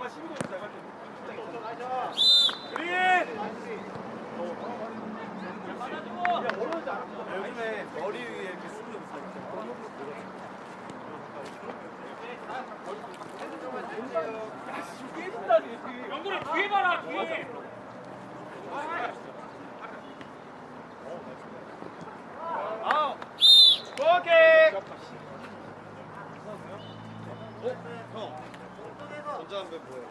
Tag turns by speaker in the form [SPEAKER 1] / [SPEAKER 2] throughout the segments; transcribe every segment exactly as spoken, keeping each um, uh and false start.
[SPEAKER 1] 요즘에 머리 위에 이렇게 쓰는 거
[SPEAKER 2] 영구를 뒤에 봐라 뒤에.
[SPEAKER 1] 아, 오케이. 어, 형. 전자담배 뭐예요?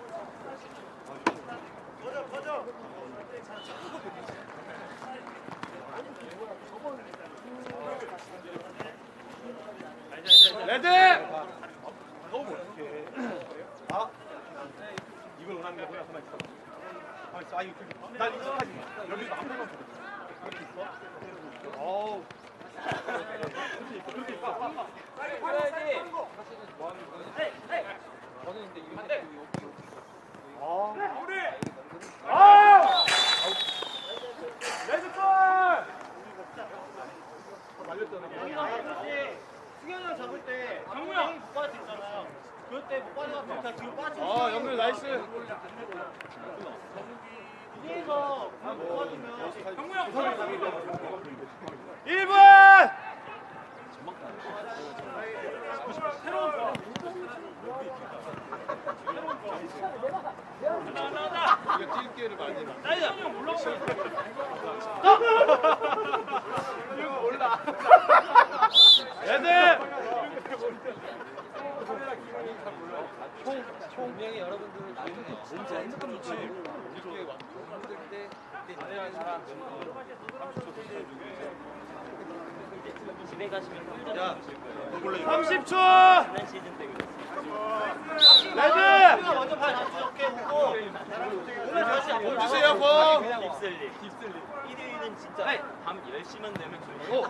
[SPEAKER 1] 꺼져, 꺼져. 레드. 너무 어떡해. 아, 이걸 원하는 거구나. 가만 있어. 가만 있어. 아, 이거 그, 난 익숙하지. 여기도 한 번만 줘. 그렇게 있어? 어우. 그렇게 있어.
[SPEAKER 2] 빨리 가야지.
[SPEAKER 3] 저는 근데 이거 여기
[SPEAKER 1] 아, 우리. 아! 레드골! 말렸잖아. 승현이랑 잡을 때
[SPEAKER 2] 정우야.
[SPEAKER 1] 못 빠질 수 있잖아요. 그때 못 빠져서 그냥 뒤로 빠져. 아, 영민 나이스. 위에서 못 빠지면
[SPEAKER 2] 정우야.
[SPEAKER 1] 일 분!
[SPEAKER 2] 새로운 거.
[SPEAKER 1] 이거 뛸 기회를 많이 나.
[SPEAKER 2] 나이다. 형 올라오고.
[SPEAKER 1] 이거 몰라. 레드!
[SPEAKER 3] 분명히 여러분들 나중에 진짜 핸드폰 좋지. 이렇게 힘들 때 그때 잘해야 사람
[SPEAKER 4] 집에 가시면
[SPEAKER 1] 야, 삼십 초!
[SPEAKER 4] 지난 시즌 때 그랬어요.
[SPEAKER 1] 레드!
[SPEAKER 4] 먼저 발 다시 적게 보고 오늘 다시
[SPEAKER 1] 공 주세요, 공!
[SPEAKER 4] 딥슬리 딥슬리 일요일은 진짜 밤 열 시만 되면
[SPEAKER 1] 오.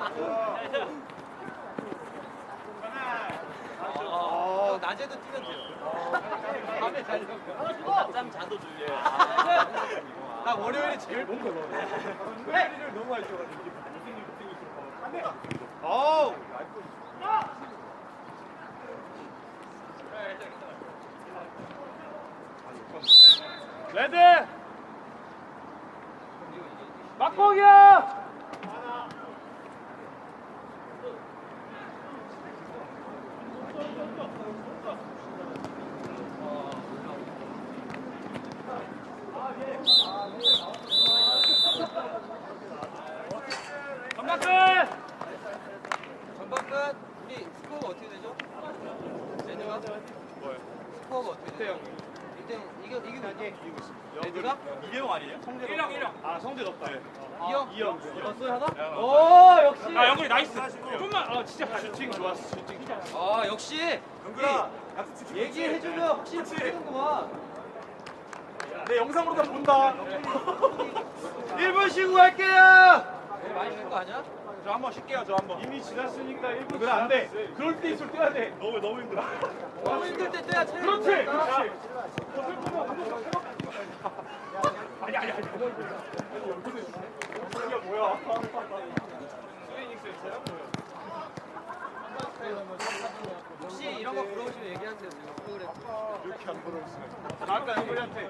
[SPEAKER 3] 어, 낮에도 뛰면 돼요. 밤에 잘
[SPEAKER 4] 낮잠 자도 졸려요.
[SPEAKER 1] 나 월요일이 제일 못 걸어. 회의를 너무 많이 줘가지고. 어우! 레드! 막공이야! 전방 끝!
[SPEAKER 3] 전반 끝. 우리 스코어가 어떻게 되죠? 레드가?
[SPEAKER 1] 뭐요?
[SPEAKER 3] 스코어가 어떻게
[SPEAKER 1] 대
[SPEAKER 3] 돼요?
[SPEAKER 1] 영.
[SPEAKER 3] 일 대 영. 이겨 이기고 있지?
[SPEAKER 1] 이기고 있어.
[SPEAKER 3] 레드가?
[SPEAKER 1] 이대영 아니에요? 성재
[SPEAKER 2] 일형 일형.
[SPEAKER 1] 아, 성재 졌다.
[SPEAKER 3] 이 영?
[SPEAKER 1] 이 영.
[SPEAKER 3] 넣었어요 하나?
[SPEAKER 1] 오, 역시!
[SPEAKER 2] 아 영구리 나이스. 좀만. 아 진짜.
[SPEAKER 1] 슈팅 좋았어, 슈팅 좋았어.
[SPEAKER 3] 아 역시
[SPEAKER 1] 영구야,
[SPEAKER 3] 얘기해주면 확실히 풀리는구만.
[SPEAKER 1] 내 영상으로 다 본다. 일 분 쉬고 갈게요!
[SPEAKER 3] 내일 많이 쉴 거 아니야?
[SPEAKER 1] 저 한 번 쉴게요, 저 한 번. 이미 지났으니까 일 분. 그래, 안 돼. 그럴 때일수록 뛰어야 돼. 너무, 너무 힘들어.
[SPEAKER 3] 너무 힘들 때 뛰어야 체력이
[SPEAKER 1] 그렇지!
[SPEAKER 3] 된다니까.
[SPEAKER 1] 그렇지! 저 슬프면 한 번만 해봐. 아니, 아니, 아니. 이게 뭐야? 스웨이닉스 있어요?
[SPEAKER 3] 혹시 이런 거 물어보시면 얘기하세요. 지금 프로그램.
[SPEAKER 1] 이렇게 안 부러웠으면. 아까 영구리한테.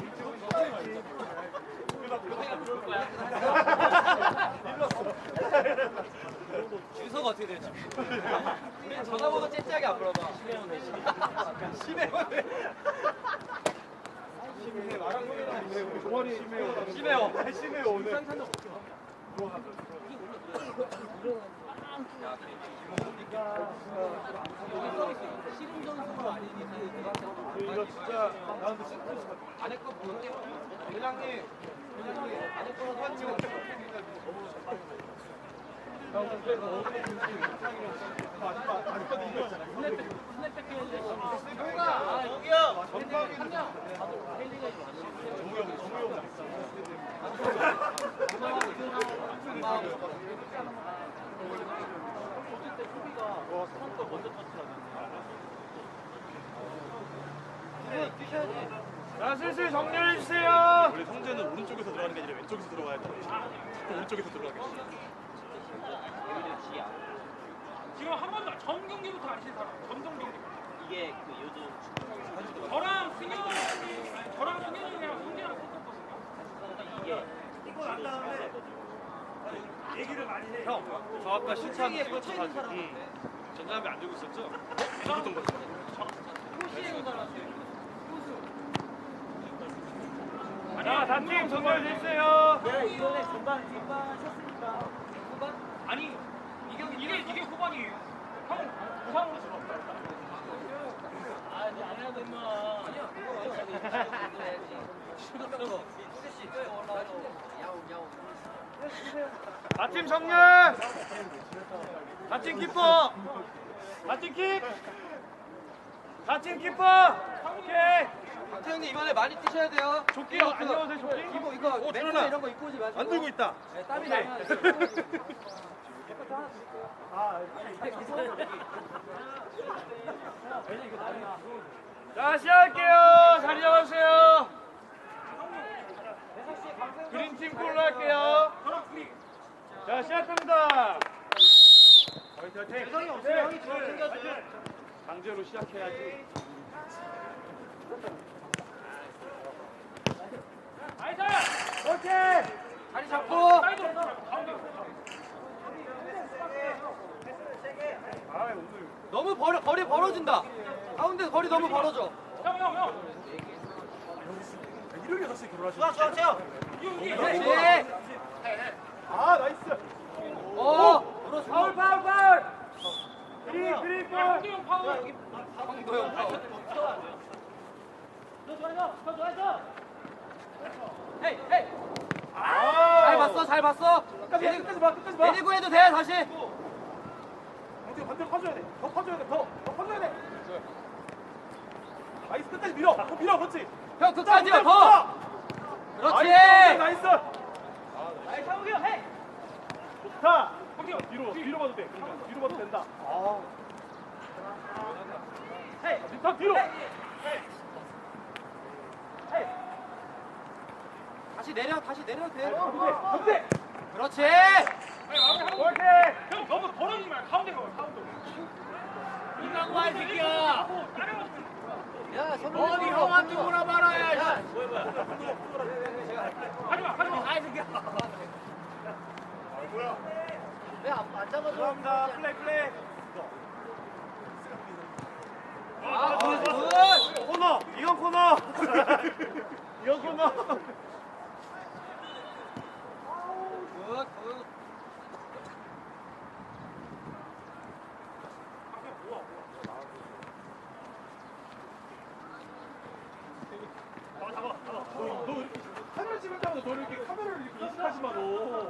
[SPEAKER 3] 주소가 어떻게 되지? 우리 전화번호 째째하게 안 물어봐. 심해원에.
[SPEAKER 1] 심해, 나랑 심해. 종아리 심해요.
[SPEAKER 3] 심해요.
[SPEAKER 1] 심해요, 오늘.
[SPEAKER 3] 씨름 선수가 아니니
[SPEAKER 1] 이거 진짜 나한테 슬프지.
[SPEAKER 3] 안에 거 볼게요.
[SPEAKER 1] 회장님, 회장님,
[SPEAKER 3] 안에 거라도 한
[SPEAKER 1] 지금 너무 잘하는 형, 근데 너무 아직까지 이거잖아.
[SPEAKER 3] 아 여기요.
[SPEAKER 1] 전방에는 정우 형, 정우 형. 자, 슬슬 정리해 주세요. 원래 성재는 오른쪽에서 들어가는 게 아니라 왼쪽에서 들어가야 돼. 자꾸 오른쪽에서 들어가게.
[SPEAKER 2] 지금 한 번도 전 경기부터 안 친 사람. 전 경기.
[SPEAKER 4] 이게 그 요즘
[SPEAKER 2] 저랑 승현
[SPEAKER 1] 형, 저 아까 신참
[SPEAKER 3] 에 꽂혀 있는 사람
[SPEAKER 1] 응.
[SPEAKER 3] 같아.
[SPEAKER 1] 전자담배 안 들고 있었죠? 어떤 거죠?
[SPEAKER 3] 호시에 있는 사람 같아.
[SPEAKER 2] 자, 단팀 정렬됐어요.
[SPEAKER 4] 내가 이번에 전반 전반 쳤으니까
[SPEAKER 3] 후반?
[SPEAKER 2] 아니, 이게 이게 이게 후반이에요. 형, 부상으로 들어.
[SPEAKER 4] 아 이제 안 해도 임마.
[SPEAKER 3] 아니야, 그거 해야지. 슈퍼. 후레쉬 또 올라와서 야옹 야옹.
[SPEAKER 2] 단팀 정렬. 단팀 키퍼. 단팀 킥. 단팀 키퍼. 오케이.
[SPEAKER 3] 박태형님 이번에 많이 뛰셔야 돼요.
[SPEAKER 2] 조끼 안 넣어도 돼, 조끼?
[SPEAKER 3] 이거 이거 멘트
[SPEAKER 1] 들어놔.
[SPEAKER 3] 이런 거 입고 오지 마시고.
[SPEAKER 1] 안 들고 있다.
[SPEAKER 3] 네, 땀이
[SPEAKER 2] 오케이.
[SPEAKER 3] 나면.
[SPEAKER 2] 자, 시작할게요. 자리 잡아주세요. 그린팀 콜로 할게요. 자, 시작합니다.
[SPEAKER 1] 대성이 없어요. 형이 저 챙겨줘요. 강제로 시작해야지.
[SPEAKER 2] 나이스! 오케이!
[SPEAKER 3] 다리 잡고.
[SPEAKER 2] 사이드! 가운데.
[SPEAKER 1] 아, 오늘
[SPEAKER 3] 너무 벌어 거리 벌어진다. 가운데 거리 너무 벌어져.
[SPEAKER 2] 형, 형, 형!
[SPEAKER 1] 일요일 여섯 시에 결혼하셨어요? 좋아, 좋아,
[SPEAKER 3] 그렇지.
[SPEAKER 1] 아, 나이스.
[SPEAKER 3] 어.
[SPEAKER 2] 파울, 파울, 파울! 그린, 그린, 파울! 황도영 파울!
[SPEAKER 3] 황도영 파울. 헤이 헤이.
[SPEAKER 1] 아,
[SPEAKER 3] 잘 봤어 잘 봤어.
[SPEAKER 1] 끝까지 봐, 끝까지 봐, 끝까지 봐.
[SPEAKER 3] 내리고 해도 돼 다시.
[SPEAKER 1] 반대로 반대로 퍼줘야 돼. 더 퍼줘야 돼. 더, 더 퍼줘야 돼. 나이스, 끝까지 밀어. 더 밀어, 그렇지.
[SPEAKER 3] 형 끝까지 가
[SPEAKER 1] 더.
[SPEAKER 3] 더. 그렇지.
[SPEAKER 1] 나이스, 나이스.
[SPEAKER 2] 나이스, 상욱이 형, 헤이!
[SPEAKER 1] 좋다. 뒤로, 뒤로 봐도 돼. 뒤로 봐도 된다. 아. 헤이, 더 뒤로.
[SPEAKER 3] 다시 내려 다시 내려도 돼.
[SPEAKER 1] 반대,
[SPEAKER 3] 그렇지.
[SPEAKER 2] 오케이! 형, 너무 벌어지지 말 가운데 가, 가운데. 이강과 이 새끼야!
[SPEAKER 3] 야
[SPEAKER 2] 어디 형한테 물어봐라, 야! 야. 하지마, 하지마! 아이 새끼야!
[SPEAKER 3] 왜안 잡아줘?
[SPEAKER 1] 감사합니다. 플레이, 플레이.
[SPEAKER 3] 아 굿, 굿.
[SPEAKER 1] 코너, 이건 코너. 이건 코너.
[SPEAKER 3] 굿, 굿.
[SPEAKER 1] 너, 너 이렇게 카메라 찍을 때마다 너 이렇게 카메라를 이렇게 인식하지 마, 너.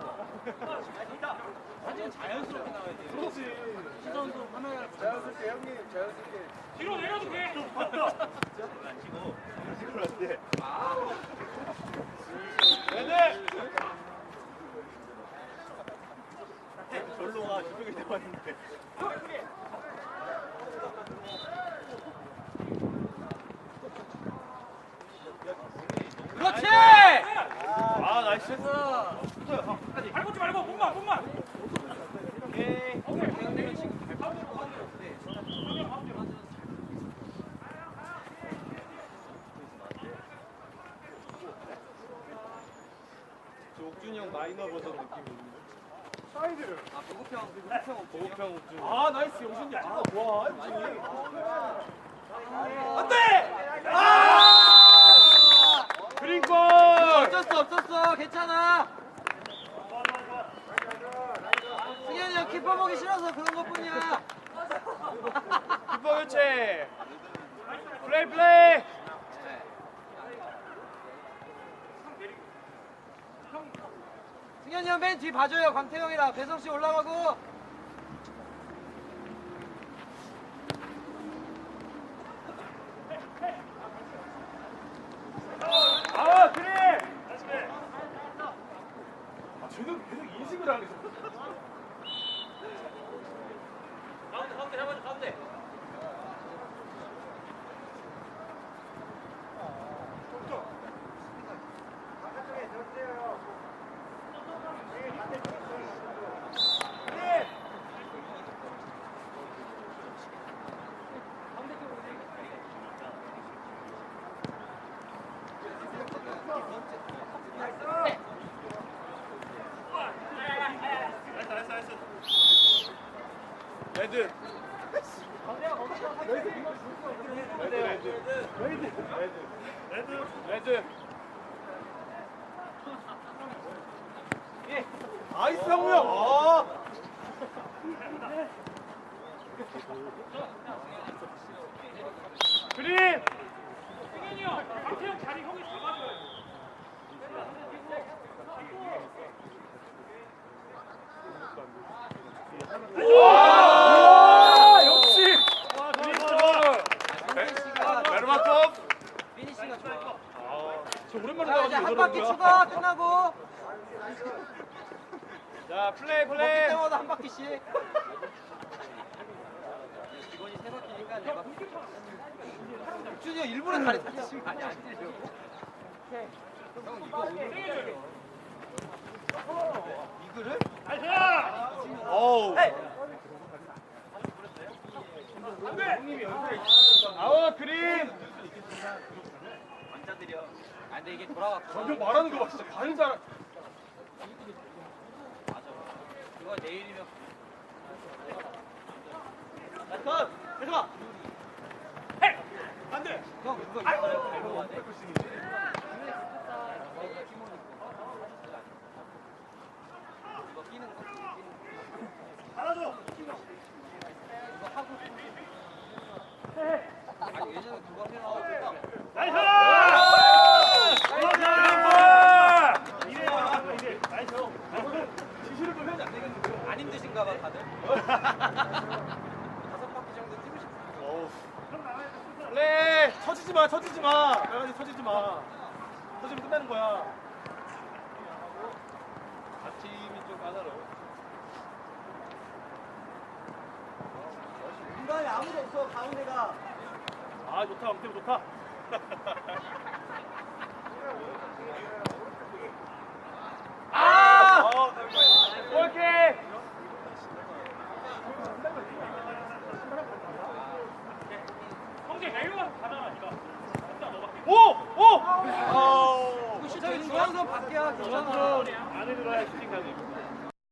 [SPEAKER 4] 사진은 자연스럽게 나와야 돼요.
[SPEAKER 1] 그렇지.
[SPEAKER 4] 시선도 카메라
[SPEAKER 1] 자연스럽게, 형님, 자연스럽게.
[SPEAKER 2] 뒤로 내려도 돼!
[SPEAKER 4] 안 치고
[SPEAKER 1] 찍으면 안 돼. 네네. 절로 가, 저쪽에 대봤는데.
[SPEAKER 3] 그렇지.
[SPEAKER 1] 아, 나이스. 붙어요, 형. 끝까지.
[SPEAKER 2] 발 꽂지 말고, 몸만, 몸만!
[SPEAKER 1] 오케이.
[SPEAKER 2] 오케이.
[SPEAKER 1] 저 옥준이 형 마이너 버전 느낌 있는데. 사이드를.
[SPEAKER 3] 아 보급형 보급형
[SPEAKER 1] 보급형 옥준이. 아, 나이스, 용준이. 아, 와, 옥준이.
[SPEAKER 3] 안
[SPEAKER 1] 돼! 아!
[SPEAKER 2] 그린골!
[SPEAKER 3] 어쩔 수 없었어. 괜찮아. 승현이 형 키퍼 보기 싫어서 그런 것뿐이야.
[SPEAKER 2] 키퍼 교체! 플레이, 플레이!
[SPEAKER 3] 승현이 형 맨 뒤 봐줘요. 광태형이랑 배성 씨 올라가고.
[SPEAKER 2] 아, 그린!
[SPEAKER 1] 아, 쟤는 계속 인식을 안 해서.
[SPEAKER 4] 가운데 가운데 잡아줘 가운데.
[SPEAKER 1] 네. 레드. 레드. 레드. 나이스 형우 형. 어. 그린.
[SPEAKER 2] 승현이 형, 박태형 자리 형이 잡아줘요.
[SPEAKER 1] 와! 역시.
[SPEAKER 3] 피니시가
[SPEAKER 1] 베르마토프.
[SPEAKER 3] 피니시가 좋아.
[SPEAKER 1] 저 오랜만에
[SPEAKER 3] 자 이제
[SPEAKER 1] 나가지고
[SPEAKER 3] 한 바퀴
[SPEAKER 1] 이러는
[SPEAKER 3] 추가
[SPEAKER 1] 거야.
[SPEAKER 3] 끝나고
[SPEAKER 1] 자 플레이
[SPEAKER 3] 먹기
[SPEAKER 1] 플레이.
[SPEAKER 3] 때마다 한 바퀴씩. 이번이 세 바퀴니까 네 바퀴. 준이 형 일부러 다리 다치신 거 아니야? 안 뛰려고? 형 이거 오늘 이거를?
[SPEAKER 1] 어우. 아워 그린.
[SPEAKER 4] 남자들이요.
[SPEAKER 3] 아 근데 이게 돌아왔고.
[SPEAKER 1] 저기 말하는 거 봐. 진짜 가는 사람.
[SPEAKER 3] 맞아. 이거 내일이면
[SPEAKER 1] 컷. 해봐. 안 돼.
[SPEAKER 3] 형 이거 이거 밟고 와야 돼. 이거 끼는 거.
[SPEAKER 1] 알아줘.
[SPEAKER 3] 이거 하고. 아니 예전에 누가 해놔.
[SPEAKER 1] 나이스. 지시를 좀 해야지 안 되겠는데.
[SPEAKER 3] 안 힘드신가 봐 다들. 다섯 바퀴 정도 뛰고 싶어.
[SPEAKER 1] 어우. 플레이. 터지지 마. 터지지 마. 빨간색 터지지 마. 터지면 끝나는 거야. 아 팀이 좀 까다로워.
[SPEAKER 3] 중간에 아무도 없어 가운데가.
[SPEAKER 1] 아 좋다. 엄청 좋다. 아! 오케이.
[SPEAKER 2] 형제 내일로 가서 가잖아, 니가. 진짜 너밖에.
[SPEAKER 1] 오! 오! 아!
[SPEAKER 3] 저기 중앙선 밖이야. 중앙선.
[SPEAKER 1] 안에 들어야 슈팅 가지.